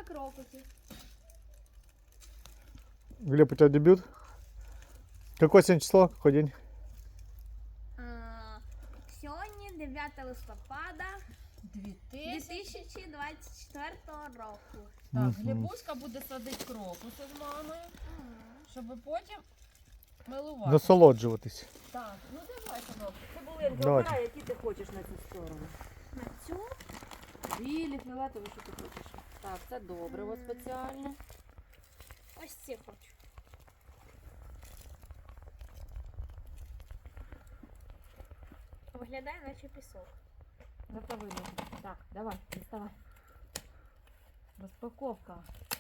крокуси. Глеб, у тебя дебют? Какое сегодня число? Какой день? Сьогодні 9 листопада 2000. 2024 року. Так, Глебуська буде садити крокуси з мамою, щоб потім милувати. Насолоджуватись. Так, ну давай, синок. Цибулинки, Давайте. обирай, які ти хочеш на цю сторону. На цю Білі, фіолетові, що ти хочеш. Так, це добре, ось спеціально. ось ці хочу. Виглядає наче пісок. Це видно. Так, давай, діставай. Розпаковка.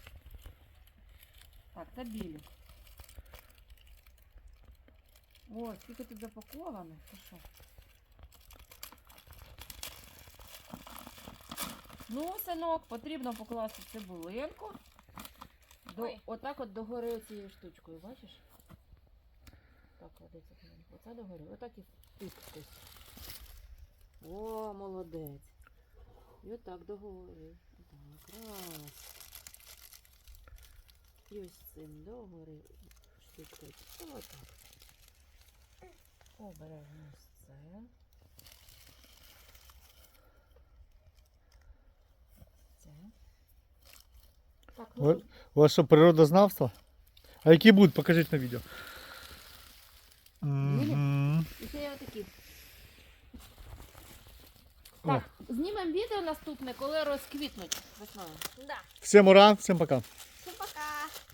Так, це білі. Ой, скільки тут запаковано. Ти що? Ну, синок, потрібно покласти цибулинку. Отак от догори цією штучкою, бачиш? Так, кладеться. Оце догори. Отак і тискось. О, молодець. І отак догори. Так, раз. І ось цим догори штучкою. Отак. Обережно ось це. Це. Так, ну, У вас що, природознавство? А які будуть? Покажіть на відео. Мгм. і ще є отакі. Так, знімемо відео наступне, коли розквітнуть весною. Да. Всім ура, всім пока. Всім пока.